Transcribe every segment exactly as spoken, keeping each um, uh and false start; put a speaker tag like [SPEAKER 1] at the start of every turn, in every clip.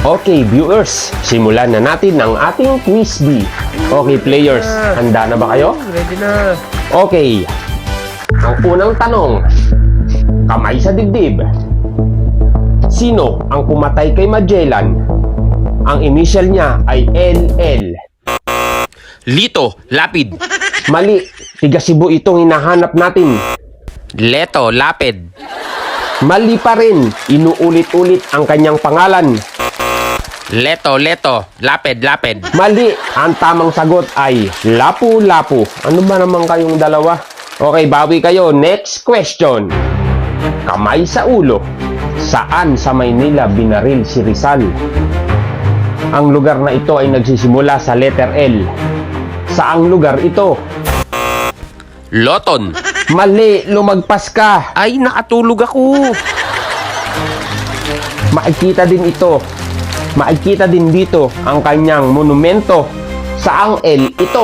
[SPEAKER 1] Okay, viewers, simulan na natin ang ating quiz bee. Okay, players, handa na ba kayo?
[SPEAKER 2] Ready na.
[SPEAKER 1] Okay. Ang unang tanong, kamay sa dibdib. Sino ang pumatay kay Magellan? Ang initial niya ay L L.
[SPEAKER 3] Lito, Lapid.
[SPEAKER 1] Mali, tiga Cebu itong hinahanap natin.
[SPEAKER 3] Leto, Lapid.
[SPEAKER 1] Mali pa rin, inuulit-ulit ang kanyang pangalan.
[SPEAKER 3] Leto, Leto, Lapid, Lapid.
[SPEAKER 1] Mali, ang tamang sagot ay Lapu-Lapu. Ano ba naman kayong dalawa? Okay, bawi kayo. Next question. Kamay sa ulo. Saan sa Maynila binaril si Rizal? Ang lugar na ito ay nagsisimula sa letter L. Saang lugar ito?
[SPEAKER 3] Loton.
[SPEAKER 1] Mali, lumagpas ka.
[SPEAKER 3] Ay, nakatulog ako.
[SPEAKER 1] Makikita din ito. Makikita din dito ang kanyang monumento. Saang L ito?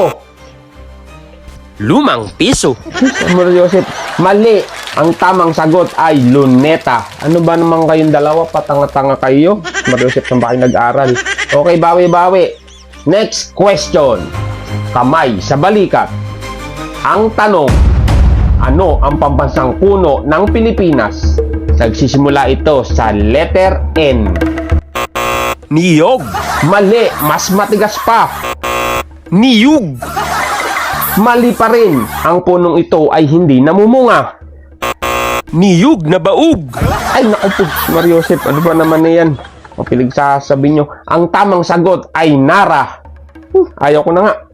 [SPEAKER 3] Lumang piso.
[SPEAKER 1] Amor Joseph, mali. Ang tamang sagot ay Luneta. Ano ba naman kayong dalawa? Patanga-tanga kayo. Amor Joseph, saan ba kayo nag-aral? Okay, bawi-bawi. Next question. Kamay sa balikat. Ang tanong, ano ang pambansang puno ng Pilipinas? Nagsisimula ito sa letter N.
[SPEAKER 3] Niyog.
[SPEAKER 1] Mali, mas matigas pa.
[SPEAKER 3] Niyug.
[SPEAKER 1] Mali pa rin. Ang punong ito ay hindi namumunga.
[SPEAKER 3] Niyug na baug.
[SPEAKER 1] Ay, naku po, Mario Joseph, ano ba naman na yan? Mapilig sasabihin nyo. Ang tamang sagot ay Nara. Hmm, ayaw ko na nga.